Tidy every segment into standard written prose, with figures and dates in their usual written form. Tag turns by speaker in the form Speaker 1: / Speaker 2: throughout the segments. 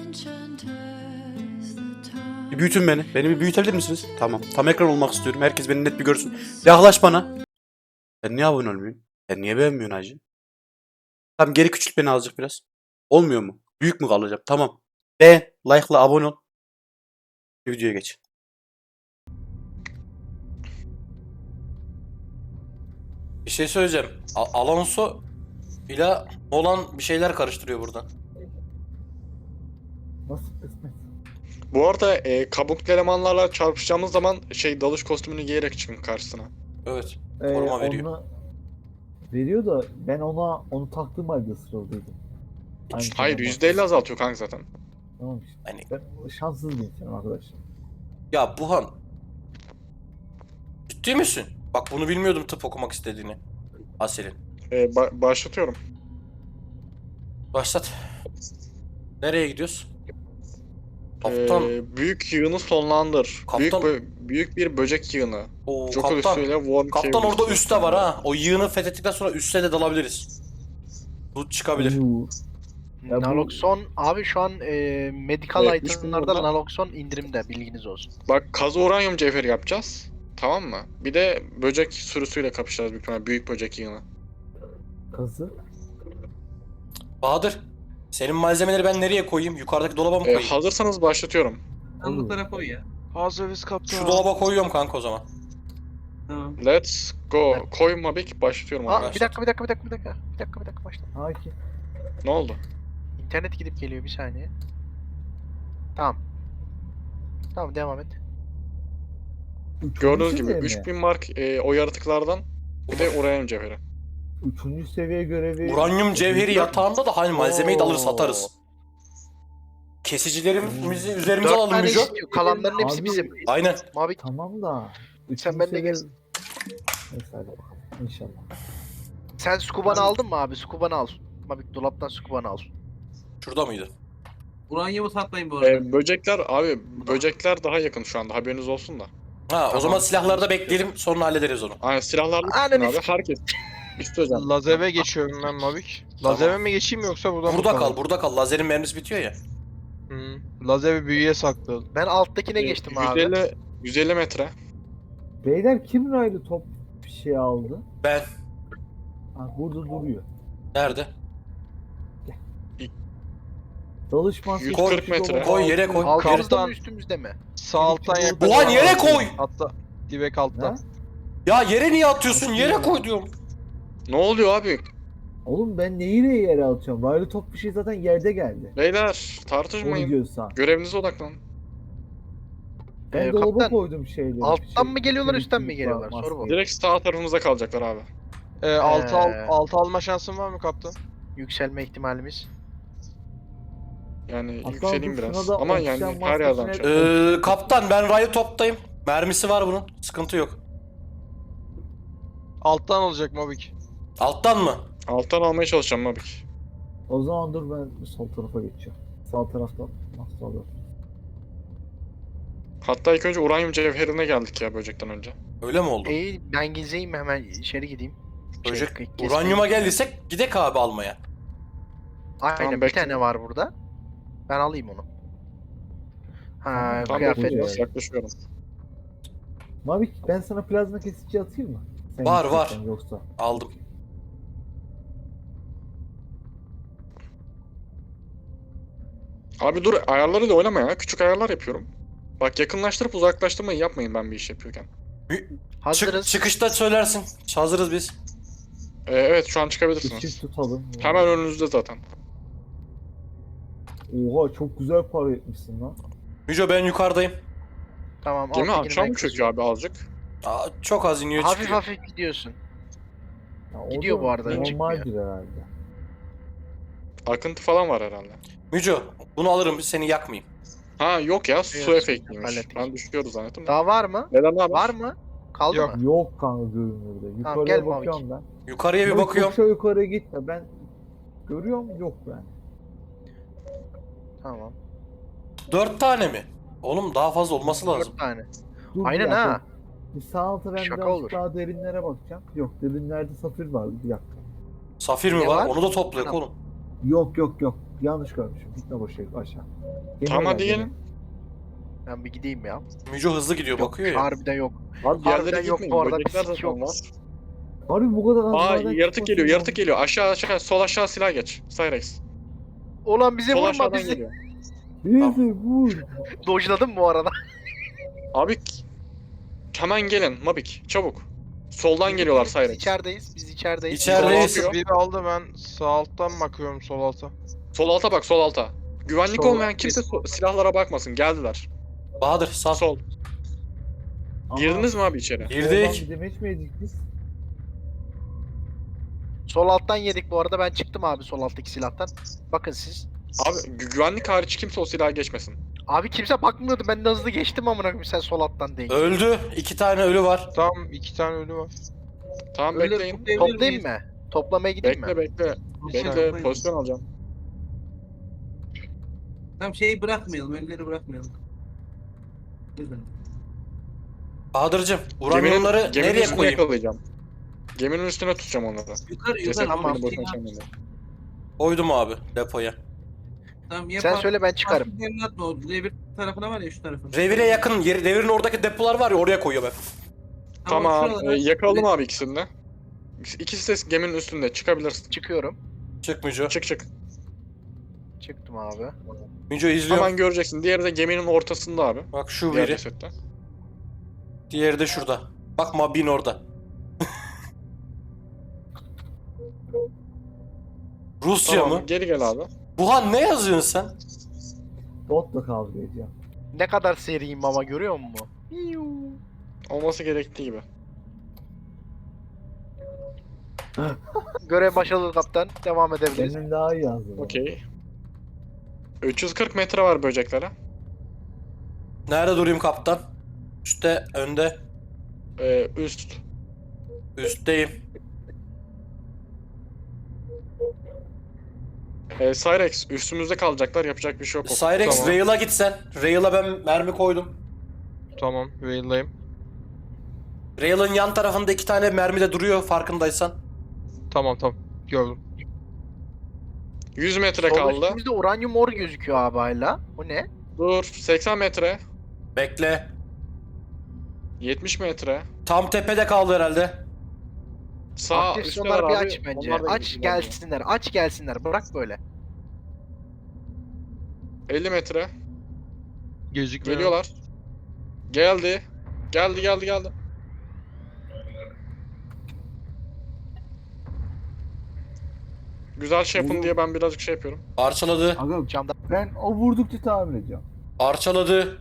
Speaker 1: Bir büyütün beni. Beni bir büyütebilir misiniz? Tamam. Tam ekran olmak istiyorum. Herkes beni net bir görsün. Yaklaş bana. Sen niye abone olmuyorsun? Sen niye beğenmiyorsun hacı? Tamam, geri küçült beni azıcık biraz. Olmuyor mu? Büyük mü kalacağım? Tamam. Beğen, like'la abone ol. Videoya geç. Bir şey söyleyeceğim. Alonso ile olan bir şeyler karıştırıyor burada.
Speaker 2: Nasıl kısmet?
Speaker 3: Bu arada kabuklu elemanlarla çarpışacağımız zaman dalış kostümünü giyerek çıkın karşısına.
Speaker 1: Evet. Koruma veriyor.
Speaker 2: Onu veriyor da ben onu taktığım halde ısrarlıydım. Aynı
Speaker 3: Hayır,
Speaker 2: zamanda.
Speaker 3: %50 azaltıyor kanka zaten.
Speaker 2: Tamam işte.
Speaker 1: Hani
Speaker 2: Ben şanssız bir insanım arkadaşlar.
Speaker 1: ya Buhan. Ciddi misin? Bak bunu bilmiyordum tıp okumak istediğini. Asel'in.
Speaker 3: Başlatıyorum.
Speaker 1: Başlat. Nereye gidiyoruz? Kaptan.
Speaker 3: Büyük yığını sonlandır.
Speaker 1: Kaptan-
Speaker 3: Büyük bir böcek yığını.
Speaker 1: Oo,
Speaker 3: Joker
Speaker 1: kaptan.
Speaker 3: üssüyle Worm
Speaker 1: Kaptan
Speaker 3: Cave
Speaker 1: orada
Speaker 3: üssü.
Speaker 1: üstte var ha. O yığını fethettikten sonra üste de dalabiliriz. Bu çıkabilir.
Speaker 2: Uuu. Ya bu-
Speaker 4: Naloxon abi şu an medical
Speaker 3: Evet, üç bin
Speaker 4: itemlarda
Speaker 3: oradan.
Speaker 4: Naloxon indirimde, bilginiz olsun.
Speaker 3: Bak, kazı uranyum cevheri yapacağız. Tamam mı? Bir de böcek sürüsüyle kapışacağız büyük ihtimalle. Büyük böcek yığını.
Speaker 2: Kazı.
Speaker 1: Bahadır. Senin malzemeleri ben nereye koyayım? Yukarıdaki dolaba mı koyayım?
Speaker 3: Hazırsanız başlatıyorum.
Speaker 5: Sandıklara koy ya.
Speaker 6: Hazırız kaptan.
Speaker 1: Şu dolaba koyuyorum kanka o zaman.
Speaker 5: Tamam.
Speaker 3: Let's go. Koy Mabik, başlatıyorum.
Speaker 4: Aa,
Speaker 3: arkadaşlar.
Speaker 4: bir dakika başla.
Speaker 2: Haki.
Speaker 3: Ne oldu?
Speaker 4: İnternet gidip geliyor, bir saniye. Tamam. Tamam, devam et.
Speaker 3: Gördüğünüz gibi
Speaker 2: seviye mi?
Speaker 3: 3000 mark o yaratıklardan, bir de uranyum cevheri.
Speaker 2: Üçüncü seviye görevi.
Speaker 1: Uranyum cevheri yatağında da hani malzemeyi de alır
Speaker 4: Oo.
Speaker 1: satarız. Kesicilerimizi üzerimize
Speaker 4: 4
Speaker 1: alalım
Speaker 4: tane
Speaker 1: Müco.
Speaker 4: istiyor. Kalanların hepsi
Speaker 2: Abi-
Speaker 4: bizim.
Speaker 1: Aynen.
Speaker 4: Mavi
Speaker 2: Tamam da.
Speaker 4: Sen benimle
Speaker 2: seviye-
Speaker 4: gez.
Speaker 2: Neyse hadi bakalım. İnşallah.
Speaker 4: sen Scuban'ı aldın mı abi? Scuban'ı al. Mavi dolaptan Scuban'ı al.
Speaker 1: Şurada mıydı?
Speaker 5: Uranyumu satmayın bu arada.
Speaker 3: Böcekler daha yakın şu anda, haberiniz olsun da.
Speaker 1: Ha o zaman silahlarda bekleyelim sonra hallederiz onu.
Speaker 3: Aynen, silahlarla
Speaker 4: Aynen,
Speaker 3: çıkın abi,
Speaker 4: biz-
Speaker 3: herkes. İstiyorsan.
Speaker 6: Lazer'e geçiyorum ben Mavik. Lazer'e mi geçeyim yoksa buradan mı
Speaker 1: Burada kal,
Speaker 6: kalayım?
Speaker 1: burada kal. Lazerin mermisi bitiyor ya.
Speaker 6: Hı. Lazer'i büyüye saklayalım.
Speaker 4: Ben alttakine geçtim abi.
Speaker 3: 150 metre.
Speaker 2: Beyler kim raylı top bir şey aldı?
Speaker 1: Ben.
Speaker 2: Ha, burada duruyor.
Speaker 1: Nerede?
Speaker 2: Dalış maskesi.
Speaker 3: 140 metre.
Speaker 1: Koy yere koy.
Speaker 4: Altımızda
Speaker 6: Kaptan.
Speaker 4: mı üstümüzde mi?
Speaker 6: Sağ alttan yaklaşık.
Speaker 1: Ulan yere koy!
Speaker 6: Hatta dibek alttan.
Speaker 2: Ne?
Speaker 1: Ya yere niye atıyorsun? Yere koy diyorum.
Speaker 3: Ne oluyor abi?
Speaker 2: Oğlum ben neyi yere atıyorum? Raylı top bir şey zaten yerde geldi.
Speaker 3: Beyler,
Speaker 2: Onu
Speaker 3: tartışmayın.
Speaker 2: diyorsan.
Speaker 3: Görevinize odaklanın.
Speaker 2: Ben dolaba
Speaker 4: Kaptan,
Speaker 2: koydum şeyleri.
Speaker 4: alttan mı geliyorlar, üstten mi
Speaker 2: çelik
Speaker 4: geliyorlar?
Speaker 2: maske.
Speaker 4: Soru bu.
Speaker 3: Direkt sağ tarafımıza kalacaklar abi.
Speaker 6: Altı alma şansın var mı kaptan?
Speaker 4: Yükselme ihtimalimiz.
Speaker 3: Yani
Speaker 2: Aslan
Speaker 3: yükseleyim
Speaker 2: Dursun'a
Speaker 3: biraz.
Speaker 2: da
Speaker 3: Ama
Speaker 2: oksijen
Speaker 3: yani her yerden
Speaker 2: maskesine-
Speaker 3: çık.
Speaker 1: Kaptan ben raylı toptayım. Mermisi var bunun. Sıkıntı yok.
Speaker 6: Alttan olacak Mavik.
Speaker 1: Alttan mı?
Speaker 3: Alttan almaya çalışacağım Mabik.
Speaker 2: O zaman dur ben sol tarafa geçeceğim. Sağ taraftan nasıl olur?
Speaker 3: Hatta ilk önce uranyum cevherine geldik ya böcekten önce.
Speaker 1: Öyle mi oldu?
Speaker 4: Ben gizleyeyim mi, hemen içeri gideyim.
Speaker 1: Böcek
Speaker 4: kesmeyin.
Speaker 1: uranyuma geldiysek gidek abi almaya.
Speaker 4: Aynen,
Speaker 3: Tamam,
Speaker 4: bir
Speaker 3: bekle.
Speaker 4: tane var burada. Ben alayım onu. Ha,
Speaker 3: Tam
Speaker 4: kıyafet.
Speaker 3: bekliyoruz, yaklaşıyorum.
Speaker 2: Mavik ben sana plazma kesici atayım mı? Sen
Speaker 1: Var,
Speaker 2: istiyorsan
Speaker 1: var.
Speaker 2: Yoksa.
Speaker 1: Aldım.
Speaker 3: Abi dur, ayarları da oynama ya. Küçük ayarlar yapıyorum. Bak, yakınlaştırıp uzaklaştırmayı yapmayın ben bir iş yapıyorken.
Speaker 4: Hazırız.
Speaker 1: Çıkışta söylersin. Hazırız biz.
Speaker 3: Evet, şu an çıkabilirsiniz.
Speaker 2: Işık tutalım.
Speaker 3: Hemen önünüzde zaten.
Speaker 2: Oha çok güzel para etmişsin lan.
Speaker 1: Müco ben yukarıdayım.
Speaker 4: Tamam.
Speaker 3: Gemi
Speaker 4: alttakini
Speaker 3: akşam
Speaker 4: ben
Speaker 3: mı çöküyor abi azıcık?
Speaker 1: Aa, çok az iniyor
Speaker 4: Hafif
Speaker 1: çıkıyor.
Speaker 4: hafif gidiyorsun.
Speaker 2: Ya o
Speaker 4: Gidiyor
Speaker 2: da
Speaker 4: bu arada,
Speaker 2: Normaldir herhalde.
Speaker 3: Akıntı falan var herhalde.
Speaker 1: Müco bunu alırım seni yakmayayım.
Speaker 3: Ha yok ya, su
Speaker 4: Evet,
Speaker 3: efektiymiş.
Speaker 4: hallettik.
Speaker 3: Ben düşüyoruz zannettim de.
Speaker 4: Daha var mı?
Speaker 3: Neden abi?
Speaker 4: Var mı? Kaldı
Speaker 6: Yok.
Speaker 4: mı?
Speaker 2: Yok kanka görünürde. Yukarıya
Speaker 4: gel
Speaker 2: bakıyorum ben.
Speaker 1: Yukarıya bir
Speaker 2: Mavik,
Speaker 1: bakıyorum.
Speaker 2: Çok yukarı gitme ben görüyorum yok ben.
Speaker 4: Tamam.
Speaker 1: 4 tane mi? Oğlum daha fazla olması lazım.
Speaker 4: 4 tane.
Speaker 2: Dur,
Speaker 4: Aynen
Speaker 2: bir dakika.
Speaker 4: ha.
Speaker 2: Bir sağ alta ben
Speaker 4: Şaka
Speaker 2: birazcık
Speaker 4: olur.
Speaker 2: daha derinlere bakacağım. Yok derinlerde safir var bir dakika.
Speaker 1: Safir mi
Speaker 4: Ne
Speaker 1: var?
Speaker 4: var?
Speaker 1: Onu da toplayak
Speaker 4: Tamam.
Speaker 1: oğlum.
Speaker 2: Yok yok yok. Yanlış görmüşüm. Gitme boşa aşağı. Gemiye
Speaker 3: Tamam hadi
Speaker 2: gel,
Speaker 3: gelin.
Speaker 2: gemiye.
Speaker 4: Ben bir gideyim ya.
Speaker 1: Müco hızlı gidiyor bakıyor ya.
Speaker 4: Harbiden yok.
Speaker 3: Abi bir
Speaker 4: Harbiden
Speaker 3: yerlere
Speaker 4: yok
Speaker 3: gitmeyin.
Speaker 4: bu arada,
Speaker 3: Böcekler
Speaker 4: pislik
Speaker 3: zaten
Speaker 4: yok.
Speaker 3: var.
Speaker 2: Harbi bu kadar
Speaker 3: Aa
Speaker 2: azlardan
Speaker 3: yaratık
Speaker 2: çıkması
Speaker 3: geliyor,
Speaker 2: lazım.
Speaker 3: yaratık geliyor. Aşağı aşağı, sol aşağı silah geç. Cyrex.
Speaker 4: Ulan bize
Speaker 3: Sol
Speaker 4: vurma,
Speaker 3: aşağıdan
Speaker 4: bizi.
Speaker 3: geliyor.
Speaker 2: Bizi vur.
Speaker 4: Dojladım bu arada.
Speaker 3: Abi hemen gelin Mabik, çabuk. Soldan geliyorlar
Speaker 4: Biz
Speaker 3: Cyrex.
Speaker 4: içerideyiz. Biz içerideyiz.
Speaker 1: İçerideyiz.
Speaker 3: Sol altı.
Speaker 6: Biri aldı, ben sağ alttan bakıyorum sol alta.
Speaker 3: Sol alta bak, sol alta. Güvenlik
Speaker 4: Sol-
Speaker 3: olmayan kimse silahlara bakmasın. Geldiler.
Speaker 1: Bahadır sal.
Speaker 3: Sol.
Speaker 2: Aha,
Speaker 3: Girdiniz mi abi içeri?
Speaker 2: oradan
Speaker 1: Girdik.
Speaker 2: bir demeç mi yedik biz?
Speaker 4: Sol alttan yedik bu arada, ben çıktım abi sol alttaki silahtan. Bakın siz.
Speaker 3: Abi güvenlik hariç kimse o silaha geçmesin.
Speaker 4: Abi kimse bakmıyordu, ben de hızlı geçtim amına koyayım sen sol alttan deyince.
Speaker 1: Öldü. 2 tane ölü var.
Speaker 6: Tam 2 tane ölü var.
Speaker 3: Tamam
Speaker 5: Öyle
Speaker 3: bekleyin.
Speaker 5: toplayabilir
Speaker 4: Toplayayım
Speaker 5: miyiz?
Speaker 4: mı? Toplamaya gideyim
Speaker 3: Bekle
Speaker 4: mi?
Speaker 3: bekle. Bekle
Speaker 5: Toplayın.
Speaker 3: pozisyon alacağım.
Speaker 5: Tamam şeyi bırakmayalım, elleri bırakmayalım. Güzel.
Speaker 1: Bahadır'cığım uranyumları
Speaker 3: geminin
Speaker 1: nereye
Speaker 3: üstüne
Speaker 1: koyayım?
Speaker 3: yakalayacağım. Geminin üstüne tutacağım onları.
Speaker 5: Yukarı
Speaker 3: Ceset
Speaker 5: yukarı.
Speaker 4: tamam.
Speaker 3: beni boşuna çekmeyin.
Speaker 1: Koydum abi depoya.
Speaker 5: Tamam,
Speaker 4: Sen söyle, ben çıkarım.
Speaker 5: Partilerini atma, o revir tarafına var ya, şu tarafına.
Speaker 1: Revire yakın revirin oradaki depolar var ya oraya koyuyorum hep.
Speaker 3: Tamam.
Speaker 5: şuralara-
Speaker 3: Yakalım abi ikisini de. İkisi de geminin üstünde. Çıkabilirsin.
Speaker 4: Çıkıyorum.
Speaker 1: Çık Müco.
Speaker 3: Çık çık.
Speaker 4: Çıktım abi.
Speaker 1: Müco izliyorum.
Speaker 3: Hemen göreceksin. Diğeri de geminin ortasında abi.
Speaker 1: Bak şu
Speaker 3: Diğer
Speaker 1: biri.
Speaker 3: cesette.
Speaker 1: Diğeri de şurada. Bak Mabin orada. Rusya
Speaker 3: Tamam.
Speaker 1: mı?
Speaker 3: Geri gel abi.
Speaker 1: Buhan ne yazıyorsun sen?
Speaker 2: Botla kavga edeceğim.
Speaker 4: Ne kadar seriyim ama, görüyor musun?
Speaker 3: Olması gerektiği gibi.
Speaker 4: Görev başarılı kaptan. Devam edebiliriz.
Speaker 2: Benim daha iyi yazdım.
Speaker 3: Okey. 340 metre var böceklere.
Speaker 1: Nerede durayım kaptan? Üste, önde,
Speaker 3: Üst.
Speaker 1: üstteyim.
Speaker 3: Cyrex üstümüzde kalacaklar. Yapacak bir şey yok.
Speaker 1: Cyrex
Speaker 6: Tamam.
Speaker 1: Rail'a git sen. Rail'a ben mermi koydum.
Speaker 6: Tamam, Rail'dayım.
Speaker 1: Rail'ın yan tarafında 2 tane mermi de duruyor farkındaysan.
Speaker 6: Tamam tamam, gördüm.
Speaker 3: 100 metre
Speaker 4: Solda
Speaker 3: kaldı.
Speaker 4: üstümüzde uranyum mor gözüküyor abi hala. Bu ne?
Speaker 3: Dur. 80 metre.
Speaker 1: Bekle.
Speaker 3: 70 metre.
Speaker 1: Tam tepede kaldı herhalde.
Speaker 3: Sağ üstte var
Speaker 4: Aktivasyonları bir
Speaker 3: abi.
Speaker 4: aç bence.
Speaker 3: Onlar da
Speaker 4: Aç
Speaker 3: gidiyorlar.
Speaker 4: gelsinler. Aç gelsinler. Bırak böyle.
Speaker 3: 50 metre.
Speaker 6: Gözükmüyor.
Speaker 3: Geliyorlar. Geldi. Geldi. Güzel şey yapın
Speaker 2: Oğlum.
Speaker 3: diye ben birazcık şey yapıyorum.
Speaker 1: Parçaladı.
Speaker 2: Aga
Speaker 4: Camda.
Speaker 2: ben o vurdukça tahmin ediyorum.
Speaker 1: Parçaladı.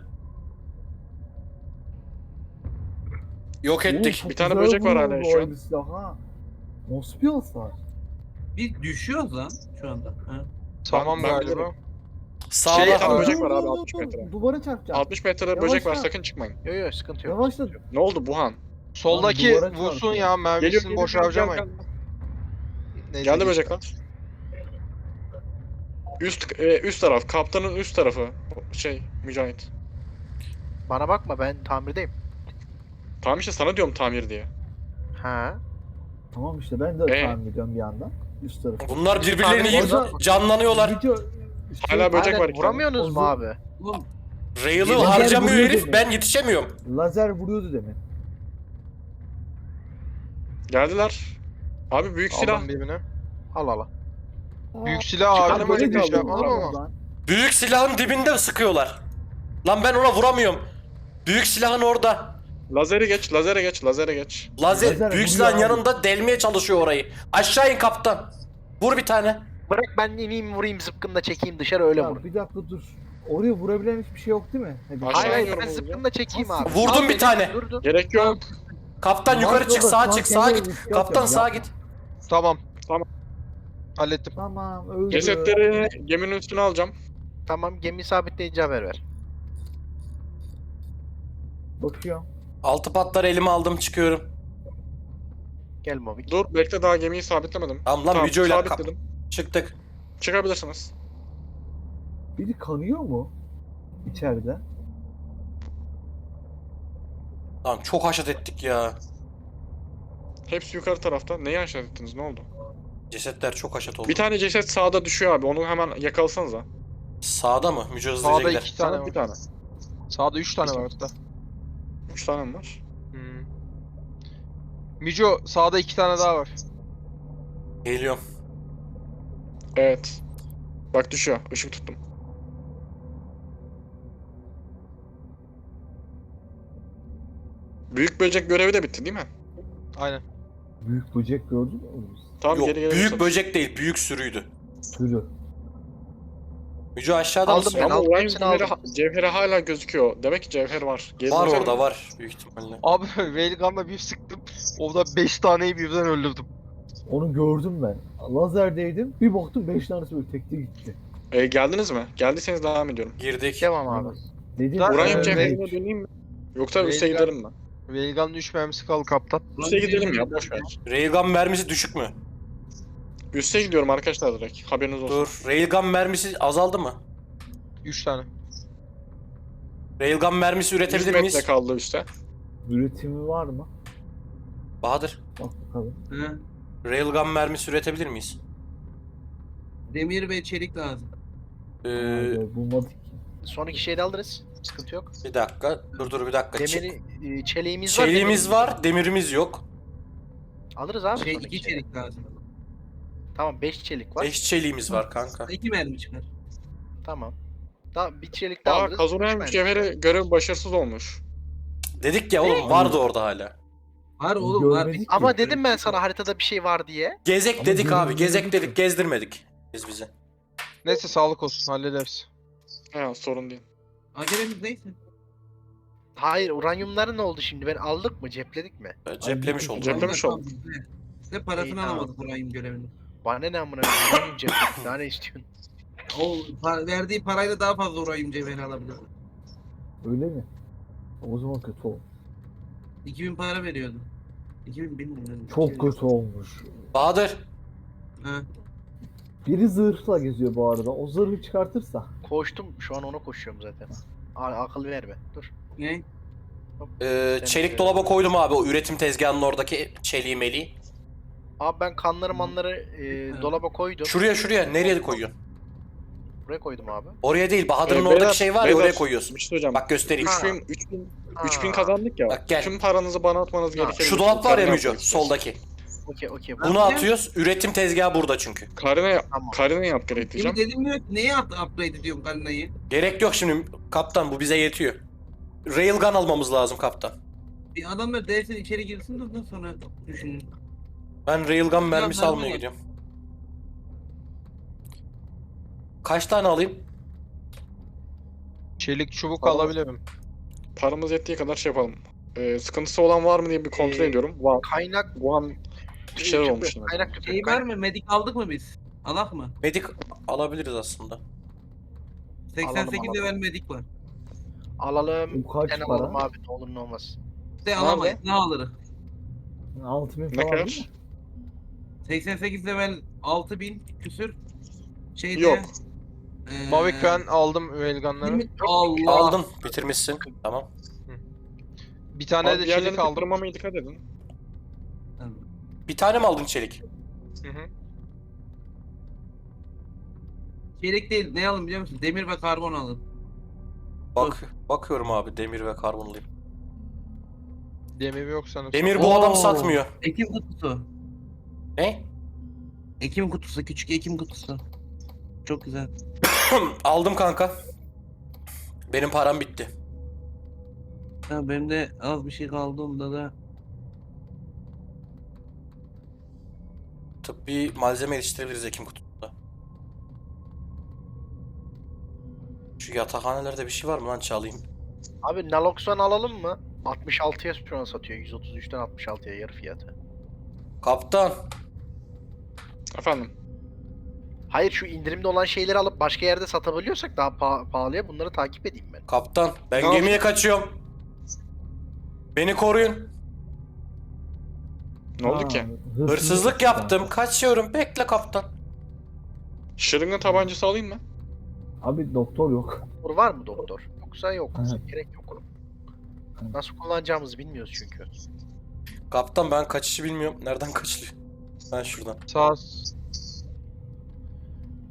Speaker 1: Yok ettik.
Speaker 2: Oğlum,
Speaker 3: Bir tane
Speaker 2: çok
Speaker 3: böcek
Speaker 2: güzel
Speaker 3: var
Speaker 2: vurdu
Speaker 3: hala
Speaker 2: bu
Speaker 3: şu an.
Speaker 2: oyunda silah ha. Nasıl bir hasar?
Speaker 5: Bir düşüyoruz lan şu anda. Ha.
Speaker 6: Tamam
Speaker 3: Ben
Speaker 6: galiba.
Speaker 3: bilirim.
Speaker 1: Sağda.
Speaker 3: Şey, tam
Speaker 1: Aa,
Speaker 3: böcek var
Speaker 2: Dur,
Speaker 3: abi,
Speaker 2: dur,
Speaker 3: 60
Speaker 2: dur,
Speaker 3: metre.
Speaker 2: Duvara çarpacağım.
Speaker 3: 60 metrede böcek var,
Speaker 2: Yavaşla.
Speaker 3: sakın çıkmayın.
Speaker 4: Yok sıkıntı yok.
Speaker 2: Yavaşla.
Speaker 3: Ne oldu Buhan?
Speaker 6: Soldaki
Speaker 2: duvara
Speaker 6: vursun
Speaker 2: çarptı.
Speaker 6: ya, mermisini boş harcamayın. Neyse,
Speaker 3: Geldi
Speaker 6: geç.
Speaker 3: böcekler. Üst taraf, kaptanın üst tarafı. Mücahit.
Speaker 4: Bana bakma, ben tamirdeyim.
Speaker 3: Tamam işte sana diyorum tamir diye.
Speaker 4: Ha.
Speaker 2: Tamam işte ben de tahmin ediyorum bir yandan. Üst tarafı.
Speaker 1: Bunlar birbirlerini yiyip
Speaker 2: Orada-
Speaker 1: canlanıyorlar.
Speaker 2: Video-
Speaker 3: Hala böcek
Speaker 4: Aynen,
Speaker 3: var iki
Speaker 4: vuramıyorsunuz mu
Speaker 2: tane.
Speaker 4: abi?
Speaker 5: Oğlum
Speaker 1: Rail'ı
Speaker 2: Lazer
Speaker 1: harcamıyor
Speaker 2: vuruyor
Speaker 1: herif.
Speaker 2: demek.
Speaker 1: Ben yetişemiyorum.
Speaker 2: Lazer vuruyordu demin.
Speaker 3: Geldiler. Abi büyük silah.
Speaker 6: Aldım birini.
Speaker 4: Al al.
Speaker 6: Büyük silah
Speaker 3: Çıkar
Speaker 6: harcamayın
Speaker 3: böcek
Speaker 6: bir
Speaker 3: aldım
Speaker 6: şey yapmadım ama.
Speaker 2: Lan.
Speaker 1: Büyük silahın dibinde sıkıyorlar. Lan ben ona vuramıyorum. Büyük silahın orada.
Speaker 3: Lazere geç.
Speaker 1: Lazer
Speaker 2: Lazer
Speaker 1: büyük
Speaker 2: vuruyor
Speaker 1: silahın
Speaker 2: abi.
Speaker 1: yanında delmeye çalışıyor orayı. Aşağı in kaptan. Vur bir tane.
Speaker 4: Bırak ben ineyim vurayım, zıpkınla çekeyim dışarı, öyle
Speaker 2: Ya
Speaker 4: vur.
Speaker 2: bir dakika dur. Oraya vurabilen hiçbir şey yok değil mi? Hadi.
Speaker 3: Aşağı
Speaker 4: Hayır
Speaker 3: iniyorum
Speaker 4: ben
Speaker 3: hızlıca.
Speaker 4: zıpkınla çekeyim abi.
Speaker 1: Vurdum
Speaker 4: Al
Speaker 1: bir
Speaker 4: beni,
Speaker 1: tane.
Speaker 4: Durdu.
Speaker 3: Gerek yok.
Speaker 1: Kaptan yukarı çık, sağa çık, sağa git. Kaptan sağa git.
Speaker 6: Tamam.
Speaker 3: Tamam.
Speaker 6: Hallettim.
Speaker 2: Tamam öldü.
Speaker 3: Cesetleri geminin üstüne alacağım.
Speaker 4: Tamam, gemi sabitleyince haber ver.
Speaker 2: Bakıyorum.
Speaker 1: Altı patlar elime aldım çıkıyorum.
Speaker 4: Gel Mavik.
Speaker 3: Dur bekle, daha gemiyi sabitlemedim.
Speaker 1: Tamam lan videoyla
Speaker 3: sabitledim.
Speaker 1: çıktık.
Speaker 3: Çıkabilirsiniz.
Speaker 2: Biri kanıyor mu? İçeride.
Speaker 1: Tamam çok haşat ettik ya.
Speaker 3: Hepsi yukarı tarafta. Neyi aşağı ettiniz? Ne oldu?
Speaker 1: Cesetler çok haşat oldu.
Speaker 3: Bir tane ceset sağda düşüyor abi. Onu hemen yakalasanıza.
Speaker 1: Sağda mı? Müce hızlıca
Speaker 6: Sağda
Speaker 1: gider.
Speaker 6: 2 tane
Speaker 3: Bir
Speaker 6: var.
Speaker 3: tane.
Speaker 6: Sağda 3 tane var hatta.
Speaker 3: 3 tane mi var?
Speaker 6: Hmm. Mico sağda 2 tane daha var.
Speaker 1: Geliyorum.
Speaker 3: Evet. Bak düşüyor. Işık tuttum. Büyük böcek görevi de bitti değil mi?
Speaker 6: Aynen.
Speaker 2: Büyük böcek gördün mü?
Speaker 3: Tamam
Speaker 1: Yok
Speaker 3: geri geri
Speaker 1: büyük
Speaker 3: basalım.
Speaker 1: böcek değil, büyük sürüydü.
Speaker 2: Sürü.
Speaker 1: Müce aşağıda
Speaker 4: Aldım
Speaker 1: mısın?
Speaker 4: ben,
Speaker 3: Ama
Speaker 4: aldım,
Speaker 3: uranyum
Speaker 4: hepsini
Speaker 3: cevheri,
Speaker 4: aldım.
Speaker 3: cevheri hala gözüküyor. Demek ki cevher var. Geri
Speaker 1: Var
Speaker 3: dönsene.
Speaker 1: orada var büyük ihtimalle.
Speaker 6: Abi Railgun'la bir sıktım. Orada 5 taneyi birden öldürdüm.
Speaker 2: Onu gördüm ben. Lazerdeydim. Bir baktım 5 tanesi böyle tekte gitti.
Speaker 3: Geldiniz mi? Geldiyseniz devam ediyorum.
Speaker 1: Girdik.
Speaker 4: Devam abi.
Speaker 2: Dedim,
Speaker 6: Zaten-
Speaker 3: Uranyum
Speaker 6: Evet.
Speaker 3: cevherine döneyim mi? Yoksa üste
Speaker 6: Railgun-
Speaker 3: gidelim mi?
Speaker 6: Railgun'un 3 mermisi kaldı kaptan.
Speaker 3: Üste gidelim ya boş ver.
Speaker 1: Railgun mermisi düşük mü?
Speaker 3: Üste gidiyorum arkadaşlar direkt. Haberiniz olsun.
Speaker 1: Dur. Railgun mermisi azaldı mı?
Speaker 6: 3 tane.
Speaker 1: Railgun mermisi
Speaker 3: 100
Speaker 1: üretebilir
Speaker 3: metre
Speaker 1: miyiz?
Speaker 3: kaldı üste.
Speaker 2: Üretimi var mı?
Speaker 1: Bahadır.
Speaker 2: Bak bakalım.
Speaker 5: Hı.
Speaker 1: Railgun mermisi üretebilir miyiz?
Speaker 5: Demir ve çelik lazım.
Speaker 2: Bulmadık ki.
Speaker 4: Son iki şeyi de alırız. Sıkıntı yok.
Speaker 1: Bir dakika. Dur bir dakika.
Speaker 4: Demiri, çeliğimiz var.
Speaker 1: Çeliğimiz
Speaker 4: demirimiz
Speaker 1: var, demirimiz yok.
Speaker 4: Alırız abi.
Speaker 5: Şey,
Speaker 4: son
Speaker 5: 2
Speaker 4: iki şeyi.
Speaker 5: çelik lazım.
Speaker 4: Tamam 5 çelik var.
Speaker 1: 5 çeliğimiz var kanka.
Speaker 5: 2 mermi çıkar.
Speaker 4: Tamam. Daha bir çelik daha
Speaker 3: Aa
Speaker 4: alırız.
Speaker 3: kazanıyorum
Speaker 4: üç
Speaker 3: cevheri görev başarısız olmuş.
Speaker 1: Dedik ya oğlum vardı orada hala.
Speaker 5: Var oğlum var.
Speaker 2: Görmedik ki.
Speaker 4: Ama dedim ben sana haritada bir şey var diye.
Speaker 1: Gezek
Speaker 2: Ama
Speaker 1: dedik abi,
Speaker 2: görmedik
Speaker 1: gezek
Speaker 2: ki.
Speaker 1: dedik, gezdirmedik biz bizi.
Speaker 6: Neyse sağlık olsun hallederiz.
Speaker 3: He sorun değil.
Speaker 5: Acelemiz neyse.
Speaker 4: Hayır uranyumları ne oldu şimdi? Ben aldık mı? Cepledik mi?
Speaker 1: Ceplemiş olduk.
Speaker 3: Ceplemiş
Speaker 5: Tamam,
Speaker 3: olduk.
Speaker 5: bizde. Size parasını
Speaker 4: İyi, tamam.
Speaker 5: alamadık uranyum görevini.
Speaker 4: Bana ne amına koyayım? Uranyum cepledik. Daha ne istiyorsun?
Speaker 5: O verdiği parayla daha fazla uranyum cevheri alabilir.
Speaker 2: Öyle mi? O zaman kötü oldu.
Speaker 5: 2000 para veriyordu. 2000 bilmiyorum.
Speaker 2: Çok kötü olmuş.
Speaker 1: Bahadır.
Speaker 5: Ha.
Speaker 2: Biri zırhla geziyor bu arada. O zırhı çıkartırsa.
Speaker 4: Koştum. Şu an ona koşuyorum zaten. Akıl verme. Dur.
Speaker 5: Ne?
Speaker 4: Sen
Speaker 1: Çelik
Speaker 4: söyle.
Speaker 1: dolaba koydum abi o üretim tezgahının oradaki çeliği meliği.
Speaker 4: Abi ben kanları manları dolaba koydum.
Speaker 1: Şuraya nereye koyuyorsun?
Speaker 4: Buraya koydum abi.
Speaker 1: Oraya değil Bahadır'ın
Speaker 3: Beyler,
Speaker 1: oradaki şey var ya oraya
Speaker 3: beyler,
Speaker 1: koyuyorsun.
Speaker 3: Bir şey söyleyeceğim.
Speaker 1: Bak göstereyim.
Speaker 4: Ha.
Speaker 3: 3000 kazandık ya.
Speaker 1: Bak gel.
Speaker 3: Tüm paranızı bana atmanız
Speaker 4: Ha,
Speaker 3: gerekiyor.
Speaker 1: Şu dolap var ya
Speaker 3: Karine
Speaker 1: Müco
Speaker 3: yapmak istiyorsun.
Speaker 1: soldaki.
Speaker 4: Okey.
Speaker 1: Bunu
Speaker 5: Abi,
Speaker 1: atıyoruz. Üretim tezgahı burada çünkü.
Speaker 3: Karine
Speaker 4: Tamam.
Speaker 3: upgrade
Speaker 5: Şimdi
Speaker 3: edeceğim.
Speaker 5: dedim diyor ki neye upgrade ediyorum karinayı?
Speaker 1: Gerek yok şimdi kaptan bu bize yetiyor. Railgun almamız lazım kaptan.
Speaker 5: Bir adamlar dersin içeri girsin de ondan sonra düşünün.
Speaker 1: Ben railgun mermisi
Speaker 5: mermi
Speaker 1: almaya
Speaker 5: var.
Speaker 1: gidiyorum. Kaç tane alayım?
Speaker 6: Çelik çubuk
Speaker 3: Tamam.
Speaker 6: alabilirim.
Speaker 3: Paramız yettiği kadar şey yapalım. Sıkıntısı olan var mı diye bir kontrol ediyorum. Var.
Speaker 4: Kaynak
Speaker 3: Bu an bir şeyler
Speaker 4: tüpü,
Speaker 3: olmuş yine.
Speaker 4: Kaynak tüpü.
Speaker 5: Şey var mı? Medik aldık mı biz? Alak mı?
Speaker 1: Medik alabiliriz aslında.
Speaker 5: 88
Speaker 4: Alalım.
Speaker 5: level medik var.
Speaker 4: Alalım.
Speaker 2: O kaç
Speaker 4: Bir tane
Speaker 2: para?
Speaker 4: alalım abi ne olur ne olmaz.
Speaker 5: De alamayız. Ne alırız?
Speaker 2: 6000
Speaker 3: Ne
Speaker 2: falan değil
Speaker 3: kadar?
Speaker 2: mi?
Speaker 5: 88 level 6000 küsür. Şeyde...
Speaker 3: Yok.
Speaker 6: Mavic ben aldım Railgun'ları.
Speaker 5: Allah.
Speaker 1: Aldın bitirmişsin. Tamam.
Speaker 6: Bir tane
Speaker 3: Abi
Speaker 6: de
Speaker 3: diğerlerini
Speaker 6: çelik aldım.
Speaker 3: kırmamaya dikkat edin.
Speaker 1: Bir tane mi aldın çelik?
Speaker 6: Hı hı.
Speaker 5: Çelik değil. Ne alın biliyor musun? Demir ve karbon alın.
Speaker 1: Bakıyorum abi demir ve karbon alayım.
Speaker 6: Demir yok sanırım.
Speaker 1: Demir bu adam
Speaker 5: Oo.
Speaker 1: satmıyor.
Speaker 5: Ekim kutusu.
Speaker 1: Ne?
Speaker 5: Ekim kutusu. Küçük ekim kutusu. Çok güzel.
Speaker 1: Aldım kanka. Benim param bitti.
Speaker 5: Ha, benim de az bir şey kaldı onda da.
Speaker 1: Tıbbi malzeme yetiştirebiliriz Ekim kutusunda. Şu yatakhanelerde bir şey var mı lan çalayım?
Speaker 4: Abi naloxon alalım mı? 66'ya şu an satıyor. 133'ten 66'ya yarı fiyatı.
Speaker 1: Kaptan.
Speaker 3: Efendim.
Speaker 4: Hayır şu indirimde olan şeyleri alıp başka yerde satabiliyorsak daha pahalıya bunları takip edeyim ben.
Speaker 1: Kaptan. Ben
Speaker 3: Ne
Speaker 1: gemiye kaçıyorum. Beni koruyun.
Speaker 3: Ne oldu
Speaker 2: Ha,
Speaker 3: ki?
Speaker 1: Hırsızlık yaptım. Kaçıyorum. Bekle kaptan.
Speaker 3: Şırınga tabancası alayım mı?
Speaker 2: Abi doktor yok.
Speaker 4: Doktor var mı doktor? Yoksa yok.
Speaker 2: Aha.
Speaker 4: Gerek yok. Nasıl kullanacağımızı bilmiyoruz çünkü.
Speaker 1: Kaptan ben kaçışı bilmiyorum. Nereden kaçılıyor? Ben şuradan.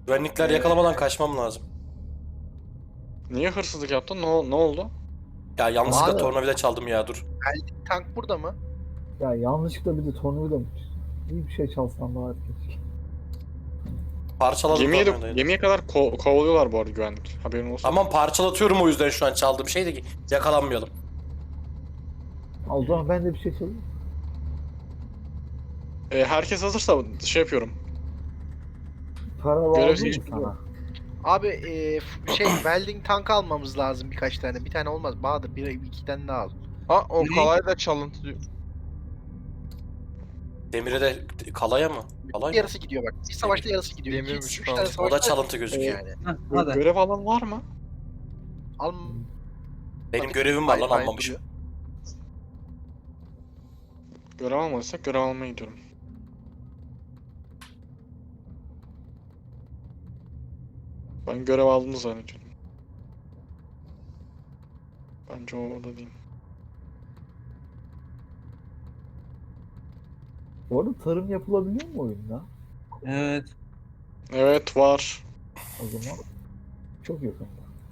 Speaker 7: Güvenlikler yakalamadan kaçmam lazım.
Speaker 3: Niye hırsızlık yaptın? Ne oldu?
Speaker 7: Ya yanlışlıkla
Speaker 2: Abi-
Speaker 7: tornavida çaldım ya, dur.
Speaker 4: Tank burada mı?
Speaker 2: Ya yanlışlıkla bir de tornavida mı? İyi bir şey çalsam daha keşke.
Speaker 7: Parçaladım
Speaker 3: Gemiye,
Speaker 7: tornavidayı.
Speaker 3: gemiye kadar kovalıyorlar bu arada güvenlik. Haberin olsun.
Speaker 7: Tamam, parçalatıyorum, o yüzden şu an çaldığım şey de yakalanmayalım.
Speaker 2: O zaman ben de bir şey çalayım.
Speaker 3: Herkes hazırsa şey yapıyorum.
Speaker 2: Para
Speaker 3: Görev
Speaker 2: lazım mı
Speaker 3: seçimi
Speaker 2: sana?
Speaker 4: Abi welding tank almamız lazım birkaç tane. Bir tane olmaz. Bahadır bir iki tane daha al.
Speaker 6: Ha o kalay da çalıntı diyor.
Speaker 7: Demire de kalaya mı? Kalay mı?
Speaker 4: Yarısı gidiyor bak. Bir savaşta yarısı gidiyor.
Speaker 6: Demirmiş
Speaker 4: Üç
Speaker 6: falan.
Speaker 4: tane
Speaker 7: O da
Speaker 4: savaşta
Speaker 7: çalıntı gözüküyor.
Speaker 4: yani.
Speaker 5: Heh, hadi.
Speaker 3: Görev alan var mı?
Speaker 4: Al.
Speaker 7: Benim görevim var lan,
Speaker 4: Hayır,
Speaker 7: almamışım.
Speaker 4: duruyor.
Speaker 3: Görev almadıysak görev almaya gidiyorum. Ben görev aldığını zannediyorum. Bence orada değil.
Speaker 2: Bu arada tarım yapılabiliyor mu oyunda?
Speaker 5: Evet.
Speaker 3: Evet var.
Speaker 2: O zaman çok yakında.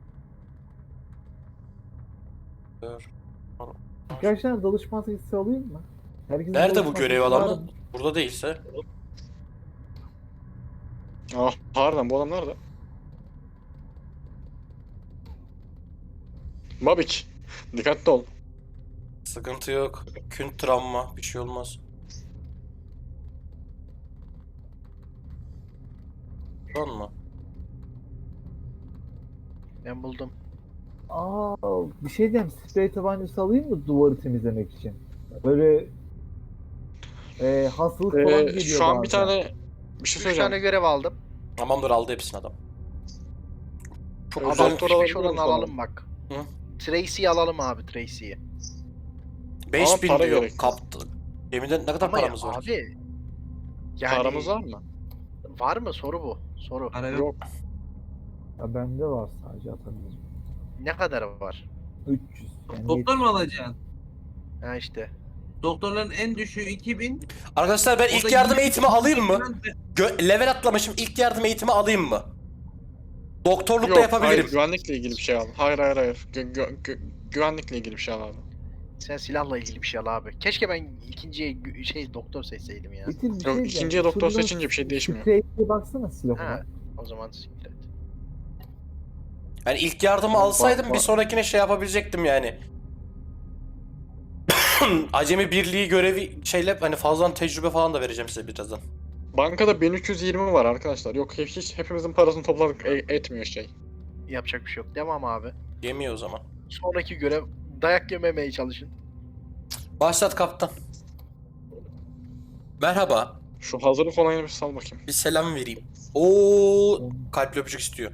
Speaker 7: Dur.
Speaker 2: Birkaç tane dalışma sayısı alayım mı? Herkesin
Speaker 7: Nerede bu
Speaker 2: dalışma
Speaker 7: görev
Speaker 2: sayısı var
Speaker 7: alanı?
Speaker 2: mı?
Speaker 7: Burada değilse.
Speaker 3: Ah pardon bu adam nerede? Mabik. Dikkatli ol.
Speaker 7: Sıkıntı yok. Kün travma, bir şey olmaz. Şu an mı?
Speaker 4: Ben buldum.
Speaker 2: Aa, bir şey diyeyim. Sprey tabancası alayım mı duvarı temizlemek için? Böyle hastalık falan geliyor
Speaker 3: Şu an bir
Speaker 2: bazen.
Speaker 3: tane bir şey
Speaker 4: 3
Speaker 3: söyleyeceğim.
Speaker 4: tane görev aldım.
Speaker 7: Tamamdır, aldı hepsini adam. Çok
Speaker 3: Abi,
Speaker 7: güzel.
Speaker 3: doktor
Speaker 4: Pişmiş
Speaker 3: alabiliyor
Speaker 4: olanı
Speaker 3: musun
Speaker 4: alalım
Speaker 3: onu?
Speaker 4: bak.
Speaker 7: Hı?
Speaker 4: Tracy'yi alalım abi Tracy'yi.
Speaker 7: 5000
Speaker 3: para
Speaker 7: diyor.
Speaker 3: gerekiyor.
Speaker 7: Kaptı. Gemiden ne kadar
Speaker 4: Ama ya
Speaker 7: paramız var?
Speaker 4: abi. Yani
Speaker 3: Paramız var mı?
Speaker 4: var mı? Soru bu. Soru.
Speaker 5: Para yok.
Speaker 3: Yok.
Speaker 2: Ya bende var sadece atabilirim.
Speaker 4: Ne kadar var?
Speaker 2: 300. Yani
Speaker 5: Doktor mu alacaksın?
Speaker 4: Ha işte.
Speaker 5: Doktorların en düşüğü 2000.
Speaker 7: Arkadaşlar ben
Speaker 5: O
Speaker 7: ilk
Speaker 5: da
Speaker 7: yardım
Speaker 5: yine-
Speaker 7: eğitimi alayım mı? Level atlamışım. İlk yardım eğitimi alayım mı? Doktorluk da
Speaker 3: Yok,
Speaker 7: yapabilirim.
Speaker 3: hayır, güvenlikle ilgili bir şey al. Hayır. Güvenlikle ilgili bir şey al abi.
Speaker 4: Sen silahla ilgili bir şey al abi. Keşke ben ikinciye doktor seçseydim ya.
Speaker 2: Bitir bir
Speaker 3: Yok,
Speaker 2: şey diyeceğim.
Speaker 3: ikinciye doktor
Speaker 2: Şuradan
Speaker 3: seçince bir şey değişmiyor.
Speaker 2: Sprey'e baksana
Speaker 4: Ha,
Speaker 2: silahına.
Speaker 4: o zaman siktir et.
Speaker 7: Yani ilk yardımı
Speaker 3: Bak,
Speaker 7: alsaydım
Speaker 3: bak.
Speaker 7: bir sonrakine şey yapabilecektim yani. Acemi birliği görevi şeyle hani fazladan tecrübe falan da vereceğim size birazdan.
Speaker 3: Bankada 1320 var arkadaşlar. Yok hepimizin parasını topladık etmiyor şey.
Speaker 4: Yapacak bir şey yok. Devam abi.
Speaker 7: Yemiyor o zaman.
Speaker 4: Sonraki görev dayak yememeye çalışın.
Speaker 7: Başlat kaptan. Merhaba.
Speaker 3: Şu hazırlık olayını bir sal bakayım.
Speaker 7: Bir selam vereyim. Oo, kalp öpücük istiyor.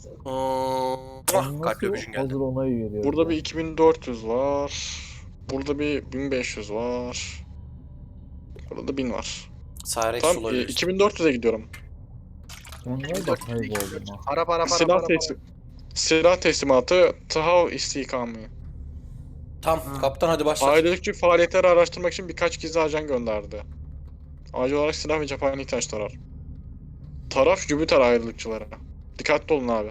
Speaker 2: Nasıl
Speaker 7: Kalp öpücüğün geldi.
Speaker 2: hazır onayı veriyor.
Speaker 3: Burada bir 2400 var. Burada bir 1500 var. Burada da 1000 var.
Speaker 7: Cyrex
Speaker 3: Tam
Speaker 7: suları.
Speaker 3: 2400'e gidiyorum.
Speaker 2: Ben nerede kayboldum ha?
Speaker 4: Para.
Speaker 3: Silah teslimatı, TİHAV istikamı.
Speaker 7: Tamam kaptan, hadi başlat.
Speaker 3: Ayrılıkçı faaliyetleri araştırmak için birkaç gizli ajan gönderdi. Acil olarak silah ve cephane ihtiyaçları var. Taraf Jüpiter ayrılıkçıları. Dikkatli olun abi.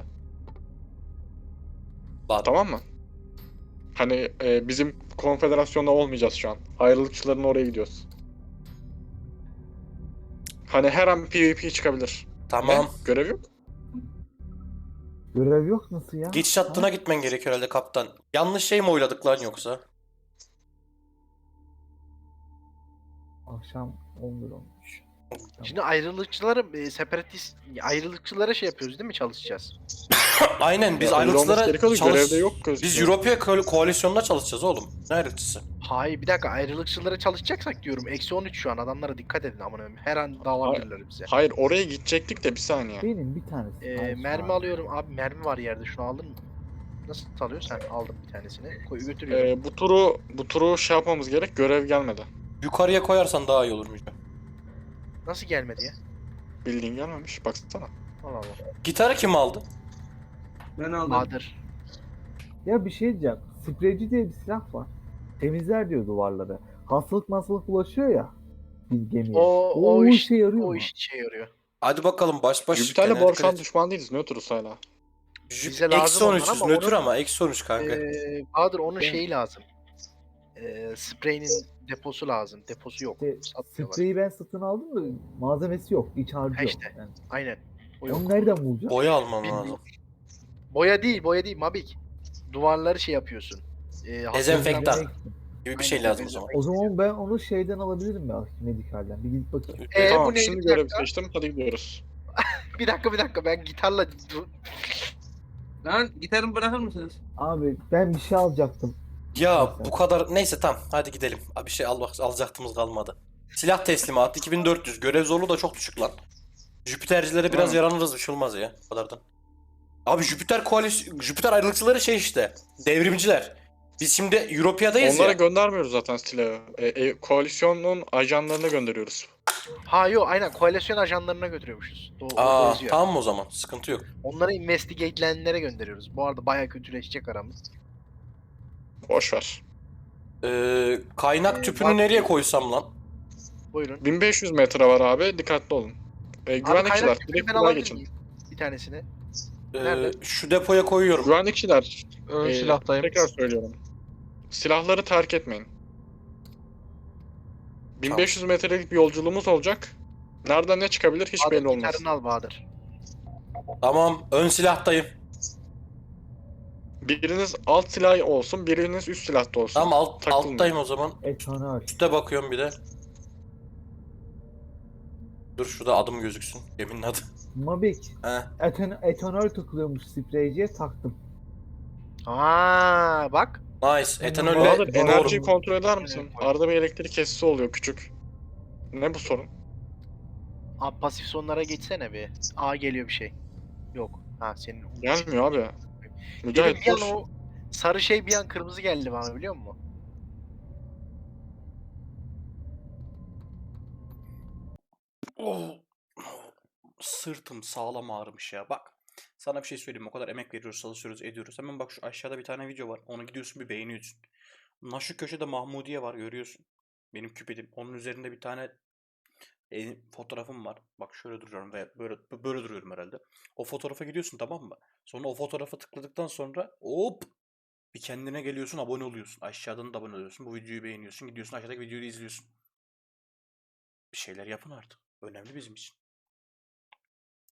Speaker 7: Lan.
Speaker 3: Tamam mı? Hani bizim konfederasyonda olmayacağız şu an. Ayrılıkçıların oraya gidiyoruz. Hani her an PvP çıkabilir.
Speaker 7: Tamam.
Speaker 3: Ne? Görev yok.
Speaker 2: Görev yok nasıl ya?
Speaker 7: Geçiş hattına gitmen gerekiyor herhalde kaptan. Yanlış şey mi oyladık lan yoksa?
Speaker 2: Akşam 11 olmuş.
Speaker 4: Şimdi ayrılıkçılara ayrılıkçılara şey yapıyoruz değil mi? Çalışacağız.
Speaker 7: Aynen, biz
Speaker 3: Ya, öyle olması
Speaker 7: ayrılıkçılara
Speaker 3: gerekiyordu, görevde yok
Speaker 7: Biz
Speaker 3: gözüküyor.
Speaker 7: Europa'ya koalisyonuna çalışacağız oğlum. Ne ayrılıkçısı?
Speaker 4: Hayır bir dakika ayrılıkçılara çalışacaksak diyorum. Eksi 13 şu an adamlara dikkat edin amına koyayım. Her an dalabilirler bize.
Speaker 3: Hayır oraya gidecektik de bir saniye.
Speaker 2: Benim bir tanesi.
Speaker 4: Mermi alıyorum abi, mermi var yerde, şunu aldın mı? Nasıl alıyorsun? Sen aldım bir tanesini. Götürüyorum.
Speaker 3: Bu turu şey yapmamız gerek. Görev gelmedi.
Speaker 7: Yukarıya koyarsan daha iyi olur Müjde.
Speaker 4: Nasıl gelmedi ya?
Speaker 3: Bildiğin gelmemiş. Baksana.
Speaker 4: Allah Allah.
Speaker 7: Gitarı kim aldı?
Speaker 5: Ben aldım.
Speaker 4: Bahadır.
Speaker 2: Ya bir şey diyeceğim. Spreyci diye bir silah var. Temizler diyor duvarları. Hastalık bulaşıyor ya bir gemiye.
Speaker 4: O
Speaker 2: işe
Speaker 4: iş
Speaker 2: yarıyor
Speaker 4: o
Speaker 2: mu?
Speaker 4: iş işe yarıyor.
Speaker 7: Hadi bakalım baş baş.
Speaker 3: Jüpiter'le
Speaker 7: kendine
Speaker 3: Borsa'nın
Speaker 7: dikkat et.
Speaker 3: düşman değiliz. Nötrüz hala.
Speaker 4: Bize
Speaker 7: Eksi
Speaker 4: lazım
Speaker 7: 13'üz
Speaker 4: onlar ama
Speaker 7: nötr
Speaker 4: onun-
Speaker 7: ama eksi 13 kanka.
Speaker 4: Bahadır onun
Speaker 2: Ben-
Speaker 4: şeyi lazım. Spreyinin deposu lazım. Deposu yok.
Speaker 2: İşte
Speaker 4: Satmıyorlar.
Speaker 2: spreyi ben satın aldım da malzemesi yok. İç harcı
Speaker 4: Ha
Speaker 2: yok.
Speaker 4: işte.
Speaker 2: Yani
Speaker 4: Aynen. O yok.
Speaker 2: onu nereden bulacağım?
Speaker 7: Boya alman
Speaker 4: Bilmiyorum.
Speaker 7: lazım.
Speaker 4: Boya değil Mabik. Duvarları şey yapıyorsun.
Speaker 7: Dezenfektan
Speaker 2: Aynen.
Speaker 7: gibi bir şey lazım o zaman.
Speaker 2: O zaman ben onu şeyden alabilirim ya, Medikal'den. Bir gidip bakayım.
Speaker 3: Tamam
Speaker 4: bu neydi?
Speaker 3: şimdi
Speaker 4: Bir
Speaker 3: görev
Speaker 4: dakika.
Speaker 3: seçtim. Hadi gidiyoruz.
Speaker 4: Bir dakika ben gitarla
Speaker 5: Lan gitarımı bırakır mısınız?
Speaker 2: Abi ben bir şey alacaktım.
Speaker 7: Ya
Speaker 2: Neyse.
Speaker 7: bu kadar neyse tamam hadi gidelim. Abi bir şey alacaktımız kalmadı. Silah teslimatı 2400. Görev zorluğu da çok düşük lan. Jüpitercilere biraz
Speaker 3: Tamam.
Speaker 7: yaranırız bir şey olmaz ya. Bu kadardan. Abi Jüpiter ayrılıkçıları şey işte. Devrimciler. Biz şimdi Europa'dayız
Speaker 3: Onlara
Speaker 7: ya.
Speaker 3: göndermiyoruz zaten silahı. Koalisyonun ajanlarını gönderiyoruz.
Speaker 4: Ha yok aynen koalisyon ajanlarına götürüyormuşuz. Orada
Speaker 7: Aa
Speaker 4: yazıyor.
Speaker 7: tamam o zaman sıkıntı yok.
Speaker 4: Onları investigate'lenenlere gönderiyoruz. Bu arada bayağı kötüleşecek aramız.
Speaker 3: Boş ver.
Speaker 7: Kaynak tüpünü
Speaker 4: bak-
Speaker 7: nereye koysam lan?
Speaker 4: Buyurun.
Speaker 3: 1500 metre var abi. Dikkatli olun.
Speaker 4: Abi
Speaker 3: Güvenlikçiler.
Speaker 4: kaynak tüpünü
Speaker 3: Direkt
Speaker 4: ben
Speaker 3: buraya
Speaker 4: alabilir
Speaker 3: geçin.
Speaker 4: miyim? Bir tanesini. Nerede?
Speaker 7: Şu depoya koyuyorum.
Speaker 3: Güvenlikçiler.
Speaker 6: Ön
Speaker 3: Ee,
Speaker 6: silahtayım.
Speaker 3: Tekrar söylüyorum. Silahları terk etmeyin. 1500 metrelik bir yolculuğumuz olacak. Nereden ne çıkabilir hiç
Speaker 4: Bahadır
Speaker 3: belli olmaz.
Speaker 4: gitarını al Bahadır.
Speaker 7: Tamam ön silahtayım.
Speaker 3: Biriniz alt silah olsun, biriniz üst silahta olsun.
Speaker 7: Tamam
Speaker 3: Takılmayın.
Speaker 7: alttayım o zaman.
Speaker 2: Etanol.
Speaker 7: Üste bakıyorum bir de. Dur şurada adım gözüksün. Geminin adı.
Speaker 2: Mabik.
Speaker 7: He.
Speaker 2: Etanol takılıyormuş spreyciye, taktım.
Speaker 4: Aa bak.
Speaker 7: Nice. Etanolle
Speaker 3: Bahadır
Speaker 7: doğru.
Speaker 3: enerjiyi kontrol eder misin?
Speaker 4: Evet.
Speaker 3: Arada bir elektrik kesisi oluyor küçük. Ne bu sorun?
Speaker 4: Abi pasif sonlara geçsene bir. Aa geliyor bir şey. Yok. Ha senin.
Speaker 3: Gelmiyor abi.
Speaker 4: Benim
Speaker 3: Mücahit
Speaker 4: bir an
Speaker 3: dur.
Speaker 4: o sarı şey bir an kırmızı geldi bana biliyor musun?
Speaker 7: Oh. Sırtım sağlam ağrımış ya. Bak. Sana bir şey söyleyeyim. O kadar emek veriyoruz, çalışıyoruz, ediyoruz. Hemen bak şu aşağıda bir tane video var. Onu gidiyorsun bir beğeniyorsun. Şu köşede Mahmudiye var görüyorsun. Benim küpedim. Onun üzerinde bir tane fotoğrafım var. Bak şöyle duruyorum ve böyle duruyorum herhalde. O fotoğrafa gidiyorsun tamam mı? Sonra o fotoğrafa tıkladıktan sonra hop bir kendine geliyorsun, abone oluyorsun. Aşağıdan da abone oluyorsun. Bu videoyu beğeniyorsun. Gidiyorsun aşağıdaki videoyu izliyorsun. Bir şeyler yapın artık. Önemli bizim için.